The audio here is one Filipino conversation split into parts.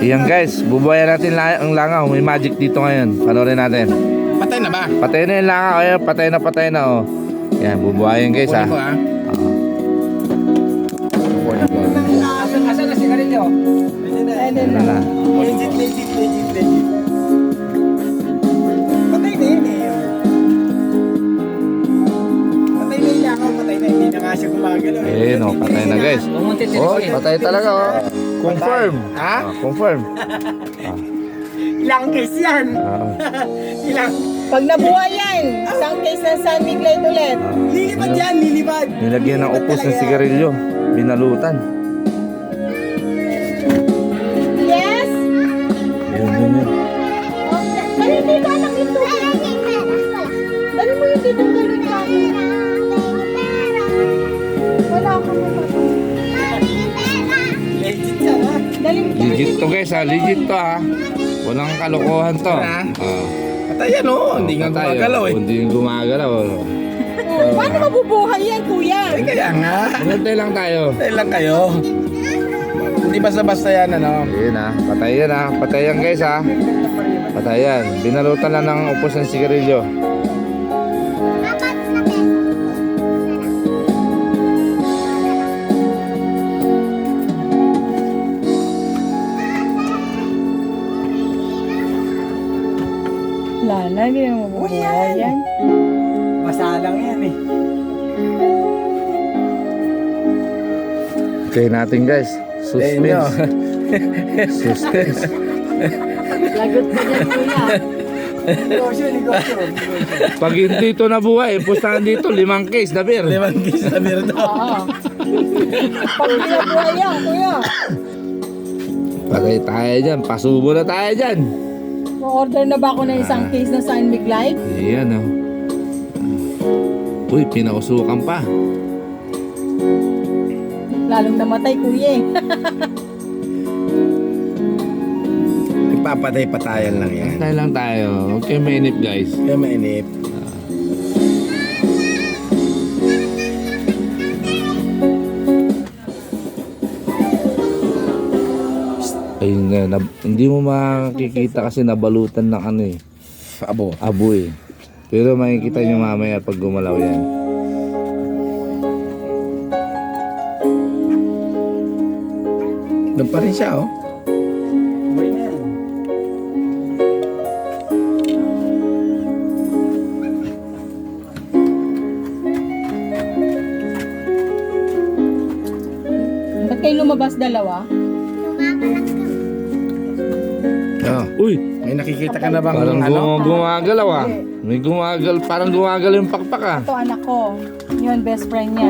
Iyan guys, bubuhayan natin ang langaw. May magic dito ngayon. Panoorin natin. Patay na ba? Patay na yung langaw. Ayan, patay na oh. Yan, bubuhayan guys Kunin ko ha. Asan na sigarilyo? Ano na. Legit. Patay na yun eh. Patay na yun ako, patay na. Hindi na nga siya gumagalaw eh. Ayun oh, patay na guys. Oh, patay talaga oh. Confirm. Ha? Confirm. Ilang case yan? Ilang? Pag nabuhay yan, isang case ng San Miguel ulit. Lilipad yan, lilipad. Nilagyan ng upos ng sigarilyo. Binalutan. Yes? Yun. Dali dito, anak ito. Dali mo yung ditong galon namin. Wala akong mapapagod. Legit yan ha? Dali mo. Legit to guys ha. Legit to ha. Walang kalokohan to. Patay yan oh. Hindi nga Patay, gumagalaw eh. Hindi nga gumagalaw. Paano mabubuhay yan, kuya? Ay, kaya nga. Hinintay lang tayo. Patay lang kayo. Hindi basta-basta yan ano. Ayun ha. Patay yan ha. Patay yan guys ha. Patay yan. Binalutan lang ng upos ng sigarilyo. Wala na, hindi na mabubuhay yan. Masalang yan eh. Okay natin guys. Suspense. Suspense. Lagot mo dyan, kuya. Negosyo. Pag hindi ito nabuhay, pustahan dito 5 case na beer. 5 kiss na beer daw. Oo. Pag pinabuhay yan, kuya. Patay tayo dyan. Pasubo na tayo dyan. Ma-order na ba ako ng isang case ng San Miguel? Ayan o. Uy, pinausukan pa. Lalong namatay, kuya eh. Nagpapatay-patayan lang yan. Patay lang tayo. Huwag kayo mainip guys. Kaya mainip. Ayun nga, hindi mo makikita kasi nabalutan ng ano eh. Abo. Abo eh. Pero makikita nyo mamaya pag gumalaw yan. Doon pa rin siya oh. Buhay na yan. Ba't kayo lumabas dalawa? Oh. Uy, May nakikita ka na bang parang ano? gumagalaw ah. May parang gumagal yung pakpak ah. Ito anak ko. Yun, best friend niya.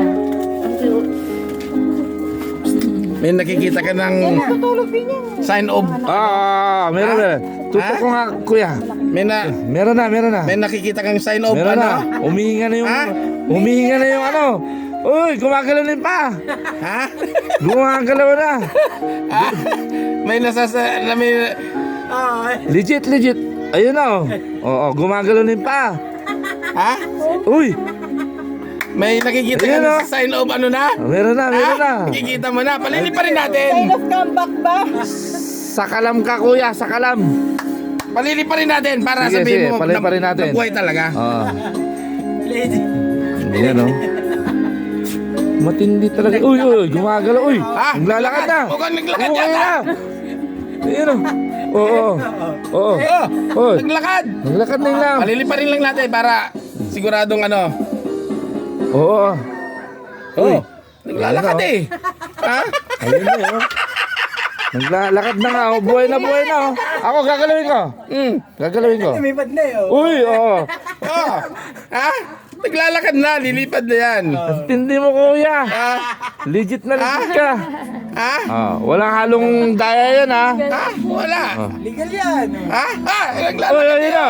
May nakikita ka ng Tutulog din yan. sign of Meron. Tutok ko nga kuya. may na Meron na. may nakikita kang sign of Meron na. ano? Umihinga na yung Ha? Umihinga na yung ano. Uy, gumagalaw na yung pa. Ha? Gumagalaw na. Ha? May may Legit. Ayun na oh. Oo, gumagalaw na yung pa. ha? Uy, May nakikita ka Ayun, ng oh. sign of ano na? meron na. Ha? Nakikita mo na. Palili pa rin natin. Sign of comeback ba? Sakalam ka kuya, sakalam. Palili pa rin natin para Sige, sabihin sige, mo palili pa rin natin. nabuhay talaga. Oo. Legit. Yan oh. Matindi talaga. Uy, gumagalaw. Uy, Ha? naglalakad na. Huwag kang naglakad Umuwi yata. na. Ayun oh. Oo. Oh, Uy, naglakad. naglakad na yun lang. Palili pa rin lang natin para siguradong ano. Oo. Oh, naglalakad eh. Ha? Ayun na yun. Naglalakad na nga. Oh. Buhay na oh. Ako, gagalawin ko. Gagalawin ko. Lumipad na eh. Oh. Uy, oo. Oh. Ha? Naglalakad na, lilipad na yan. Tindi mo kuya. Ha? Legit na legit ka. Ha? Walang halong daya yan ha. Ha? Wala. Legal yan. Ha? Ha? Uy, Naglalakad. ayun na.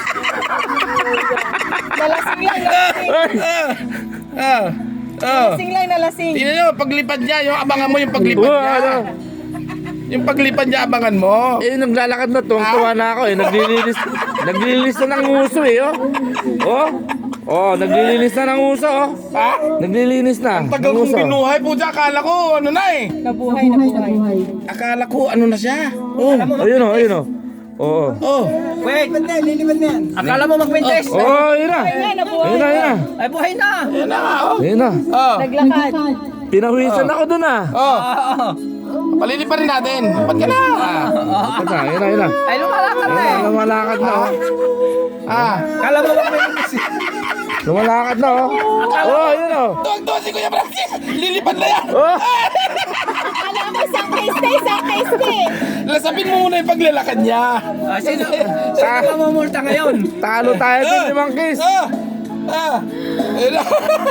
Nalasing lang, nalasing. Oh. Oh. Nalasing lang, nalasing. Tingnan nyo, paglipad niya, yung abangan mo yung paglipad Uy, niya. ano? Yung paglipad niya, abangan mo. Eh, naglalakad na. Tuwang-tuwa na ako eh. Naglililis na ng nguso eh. Oh. Oh, naglilinis na ng uso, oh. Ha? Naglilinis na. Tagal ng kong uso. binuhay po dyan. Akala ko, ano na eh. Nabuhay, nabuhay. Akala ko, ano na siya. Oh. Ayun, oh, ayun, oh. Oo. Oh. Wait, lilipad na yan, lilipad na yan. Akala mo magpintes? Oh, ayun na. Ayun na, nabuhay. Ayun na, ayun na. Ay, buhay na! Yan na nga, oh. Ayun na. Oh. Naglakad. Pinahuwisan ako dun, ah. Oh. Palili pa rin natin. Ba't ka na? Ah. Ayun na, ayun na, ayun na. Ay, lumalakad na Ayun eh! na, lumalakad na, oh. Ah. Akala mo magpintes? Lumalakad na, oh. Oh, ayun, oh. Tuwag-tuwag si Kuya Francis. Lilipad na yan. Oh. Akala ko isang case na, isang case na eh. Lasapin mo muna yung paglalakad niya. Ah, sino mamumulta ngayon? Talo tayo din, limang kiss. Ah. Ah. Ayun na.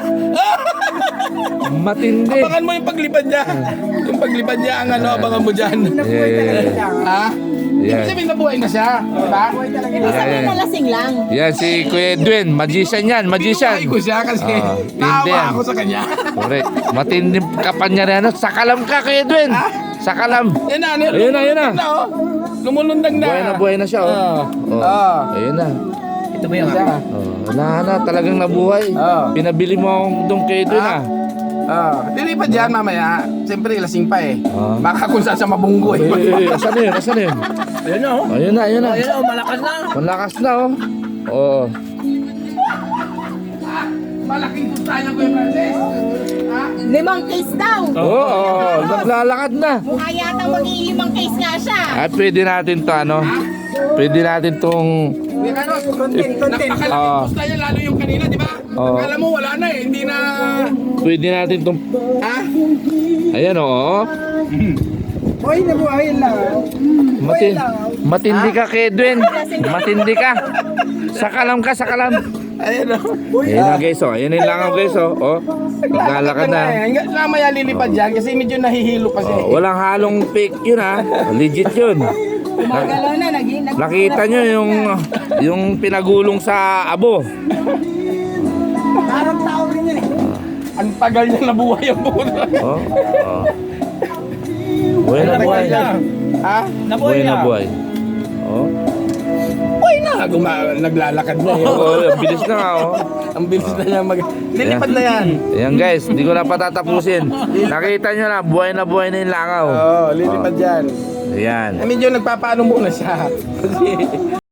Matindi. Abangan mo yung paglipad niya. Yung paglipad niya ang ano, abangan mo dyan. Yeah. Ha? Yan. Ibig sabihin nabuhay na siya. Diba? Ibig sabihin na lasing lang. Yan si Kuya Edwin, magician yan, magician. Binuhay ko siya kasi Ah, hindi naawa yan. ako sa kanya. Correct. Matindi kapanya rin. Sakalam ka, Kuya Edwin. Sakalam. Yan na, Ayun na, ayun na. oh. Lumulundag na. Buhay na siya, oh. Oh. Ah. Ayun na. Ito ba yung akin? Oh, wala na, talagang nabuhay. Ah. Pinabili mo akong doon kay Edwin, ah. Ah, lilipad yan mamaya. Siyempre, lasing pa eh. Ah. Baka kung saan sa mabunggo eh. Asan na yun? Asan na yun? Ayun na oh! Ayun na, ayun na. Ayun na oh, malakas na! Malakas na, oh. Oo. Malaking kustahan ko yung Francis. Ha? 5 case daw. Oo, naglalakad na. Mukha yata mag-ilimang case nga siya. At pwede natin to, ano? Pwede natin tong... Kuya Carlos, Content, content. napakalaking Ah. kustahan yan lalo yung kanina, di ba? Oo. Akala mo wala na eh. Hindi na... Pwede natin tong... Ha? Ayan, oo. Buhay na buhay lang. Matindi ka, kay Edwin. Matindi ka. Sakalam ka, sakalam. Ayun o. Ayan na, guys, oh. Ayan na yung langaw, guys, oh. Oh. Naglalakad na. Hanggang mamaya lilipad yan kasi medyo nahihilo pa siya. Oh, walang halong fake yun, ha. Legit yun. Gumagalaw na, Nakita nyo yung pinagulong sa abo. Parang tao rin yan eh. Ang tagal niya nabuhay ang buhay. Oh. Oh. Buhay na buhay. Ha? Buhay na buhay. Oh. Uy na! Naglalakad na yun. Oh, ang bilis na nga, oh. Ang bilis na niya lilipad na yan. Ayan, guys, hindi ko na patatapusin. Nakita nyo na buhay na yung langaw. Oo, lilipad yan. Ayan. Medyo nagpapaano muna siya. Kasi